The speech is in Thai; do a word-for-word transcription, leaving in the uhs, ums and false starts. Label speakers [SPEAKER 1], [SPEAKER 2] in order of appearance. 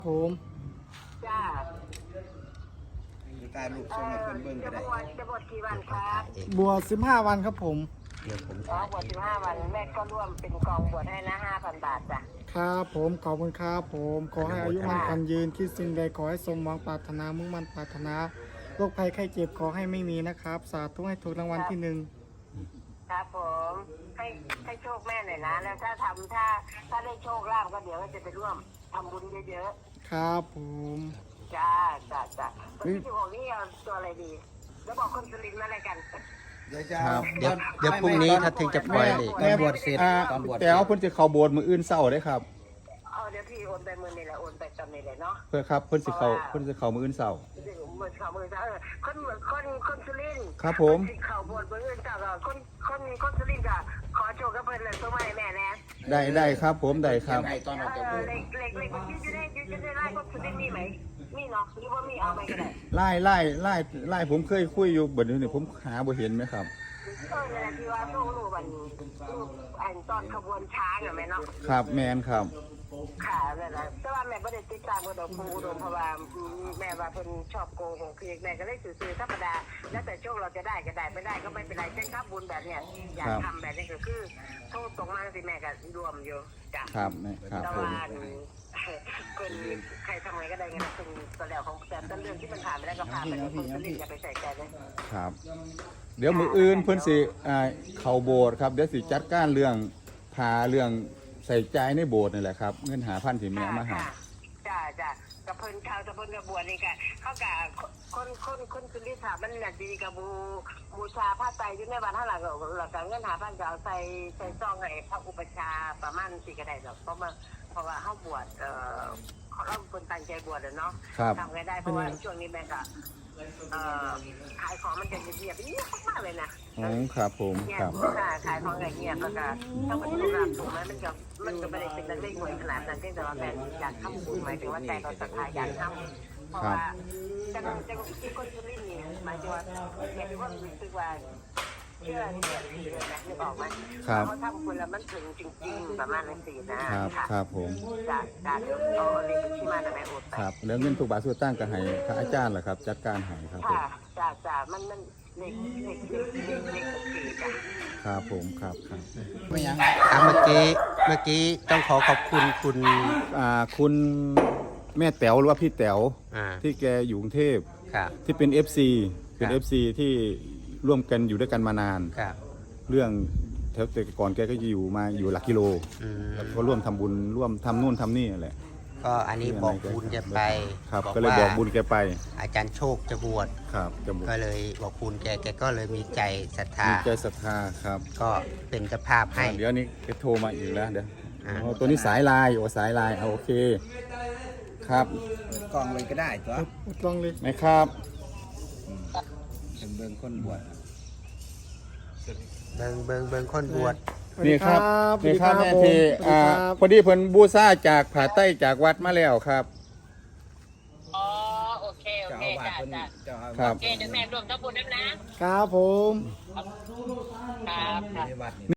[SPEAKER 1] ผม
[SPEAKER 2] จ้า
[SPEAKER 3] ตาลูกส่งมาเพิ่นเบิ่งก็
[SPEAKER 2] จะ
[SPEAKER 3] ได้
[SPEAKER 2] บวชจะบวชกี่วันครับ
[SPEAKER 1] บวชสิบห้าวันครับผม
[SPEAKER 4] เดี๋ยวผม
[SPEAKER 2] อ๋อบวชสิบห้าวันแม่ก็ร่วมเป็นกองบวชให้นะห้าพันบาทจ้ะ
[SPEAKER 1] ครับผมขอบคุณครับผมขอให้อายุมั่นขวัญยืนคิดสิ่งใดขอให้สมหวังปรารถนามุ่งมั่นปรารถนาโรคภัยไข้เจ็บขอให้ไม่มีนะครับสาธุให้ถูกรางวัลที่หนึ่ง
[SPEAKER 2] ครับผมให้ให้โชคแม่หน่อยนะแล้วถ้าทำถ้าถ้าได้โชคลาภก็เดี๋ยวจะไปร่วมทำบุญเยอะ
[SPEAKER 1] ๆครับผม
[SPEAKER 2] ๆจ้าจ้าจ้าคนที่สิบหกนี่เอาตัวอะไรดีแล้วบอกคนสุรินทร์มาอะไรกัน
[SPEAKER 3] เดี๋ยวจะ
[SPEAKER 4] ครับเดี๋ยวเดี๋ยวพรุ่งนี้ถ้าถึงจะปล่อยเลย
[SPEAKER 3] ตอนบวชเสร็จตอนบวชแต่เอาเพิ่นจะเข้าโบสถ์มื้ออื่นเช้าได้ครับ
[SPEAKER 2] เอาเดี๋ยวพี่โอนไปมือนี่แหละโอนไปตอนนี้เลยเนาะ
[SPEAKER 3] เพื่อครับเพิ่นสิเข้าเพิ่นสิเข้ามื้ออื่นเช้า
[SPEAKER 2] มือเขามือเออคนเหมือนคนคนสุรินทร์
[SPEAKER 3] ครับผม
[SPEAKER 2] เขาบวชมืออื่นจ้าก็คนคนคนสุรินทร์ก็ขอโชคกับเพิ่นเลยตัวใหม่แม่นะ
[SPEAKER 3] ได้ได้ครับผมได้ครับ
[SPEAKER 2] ตอนออกจากโบสถ์เล็กเล็กเล็กมันยืดได้ยืดได้ไล่คนสุรินทร์มีไหมมีเนาะหรือว่ามีเอาไปก็ได้
[SPEAKER 3] ไล่ไล่ไล่ไล่ผมเคยคุยอยู่บัดนี้ผมหาบ่เห็นไหมครับ
[SPEAKER 2] เออเนี่ยที่ว่าตู้รูบันรูอันตอนขบวนช้างอะแม่เนาะ
[SPEAKER 3] ครับแมนครับ
[SPEAKER 2] ค่ะนั่นแหละแต่ว่าแม่ไม่ได้ติดตามกระดกปูอุดมเพราะว่าแม่ว่าเพิ่นชอบโกหกคือแม่ก็เลยสื่อๆธรรมดาแล้วแต่โชคเราจะได้ก็ได้ไม่ได้ก็ไม่เป็นไรเช่นครับบุญแบบเนี้ยอยากทำแบบนี้ก็คือโทษตรงมาสิแม่ก็รวมอยู่จ้ะ
[SPEAKER 3] ครับแม่ครับ
[SPEAKER 2] แต่ว่าคนใครทำไงก็ได้เงินเป็นตัวแล้วของแต่ต้นเรื่องที่มันผ่านไปแล้วก็ผ่านไปคนจะรีบอย่าไปใส่ใจเลย
[SPEAKER 3] ครับเดี๋ยวมื้ออื่นเพิ่นสิอ่าเข้าโบสถ์ครับเดี๋ยวสิจัดการเรื่องพาเรื่องใส่ใจในโบสถ์นี่แหละครับเงินหาพันที่แม่มาให้
[SPEAKER 2] จ้าจ้ากับเพิ่นชาวตะเพิ่นกระบวนนี่ค่ะเขากะคนคนคนคือลิสามันน่ะดีกับบูบูชาผ้าไตรอยู่ในบ้านเท่าไหร่ก็หลักการเงินหาพันก็เอาใส่ใส่ซองให้พระอุปชาประมาณสี่กระไดหรอกเพราะว่าเพราะว่าเขาบวชเอ่อเขาเราคนตั้งใจบวชเนาะทำไงได้เพราะว่าช่วงนี้แม่ก็เอ่อขายของมันจะเงียบเงียบมากเลยนะ
[SPEAKER 3] อ๋อครับผมครับ
[SPEAKER 2] ขายของเงียบแล้วก็ถ้ามันถูกรับถูกไหมมันก็มันก็ไม่ได้เป็นเรื่องหวยขนาดนั้นเพียงแต่ว่าแฟนอยากทำบุญหมายถึงว่าใจเราศรัทธาอยากทำเพราะว่าจะจะที่คนสุรินทร์นี่หมายถึงว่าแม่ที่ว่ารู้สึกว่าเชื่อเชื่อถือเลยนะนึกออกไหมเขาทำบุญแล้วมันถึงจริงๆประมาณนั้นสินะครับ
[SPEAKER 3] ครับผม
[SPEAKER 2] จากการเอาเรียนที่มาแต่แม่อดไป
[SPEAKER 3] ครับแล้วเงินทุกบาททุกตั้งก็ให้พระอาจารย์แหละครับจัดการให้ครับผม
[SPEAKER 2] จ้าจ้ามันมันเล็กเล็กเล็กเล็กเล็กโอเคจ้ะ
[SPEAKER 3] ครับผมครับครับ
[SPEAKER 4] ไม่ยังครับเมื่อกี้เมื่อกี้ต้องขอขอบคุณคุณ
[SPEAKER 3] อ่าคุณแม่แต๋วหรือว่าพี่แต๋ว
[SPEAKER 4] อ่า
[SPEAKER 3] ที่แกอยู่กรุงเทพ
[SPEAKER 4] ครับ
[SPEAKER 3] ที่เป็น เอฟ ซี เป็น
[SPEAKER 4] ครับ
[SPEAKER 3] เอฟ ซี ที่ร่วมกันอยู่ด้วยกันมานาน
[SPEAKER 4] ครับ
[SPEAKER 3] เรื่องแถวแต่ก่อนแกก็จะอยู่มาอยู่หลักกิโล
[SPEAKER 4] อืม
[SPEAKER 3] แล้วก็ร่วมทำบุญร่วมทำนู่นทำนี่แหละ
[SPEAKER 4] ก็อันนี้บอกบุญจะไป
[SPEAKER 3] ครับก็เลยบอกบุญแกไป
[SPEAKER 4] อาจารย์โชคจะบวช
[SPEAKER 3] ครับจะบุญ
[SPEAKER 4] ก็เลยบอกบุญแกแกก็เลยมีใจศรัทธา
[SPEAKER 3] มีใจศรัทธาครับ
[SPEAKER 4] ก็เป็นเจ้าภาพให้
[SPEAKER 3] เดี๋ยวนี้แกโทรมาอีกแล้วเดี๋ยว
[SPEAKER 4] อ่า
[SPEAKER 3] อ๋อตัวนี้สายลายโอ้สายลายเอาโอเคครับ
[SPEAKER 5] กล่องเลยก็ได้ตัว
[SPEAKER 1] ลองเลย
[SPEAKER 3] ไหมครับ
[SPEAKER 5] เป็นเบิ่งคนบวช
[SPEAKER 4] เบิงเบิงเบิงคนบวช
[SPEAKER 3] นี่ครับ
[SPEAKER 1] สวัส
[SPEAKER 3] นี่
[SPEAKER 1] ดี
[SPEAKER 3] ครับแม่
[SPEAKER 1] ผม
[SPEAKER 3] ที
[SPEAKER 1] สวัสดี
[SPEAKER 3] อ่า
[SPEAKER 1] ครับ
[SPEAKER 3] พอดีเพิ่นบูชาจากผาใต้จากวัดมาแล้วครับ
[SPEAKER 2] อ๋อโอเคโอ
[SPEAKER 5] เจ้า
[SPEAKER 2] เค
[SPEAKER 5] อาวาส
[SPEAKER 2] จ้า
[SPEAKER 5] เพิ่น
[SPEAKER 2] จ้า
[SPEAKER 5] เจ้าอา
[SPEAKER 3] ครั
[SPEAKER 5] วา
[SPEAKER 3] บ
[SPEAKER 5] ส
[SPEAKER 2] โอเคเดี๋ยวแม่รวมทั้งบุญด้วยนะครับ
[SPEAKER 1] ผม
[SPEAKER 2] ครับ
[SPEAKER 5] ในวัดนี่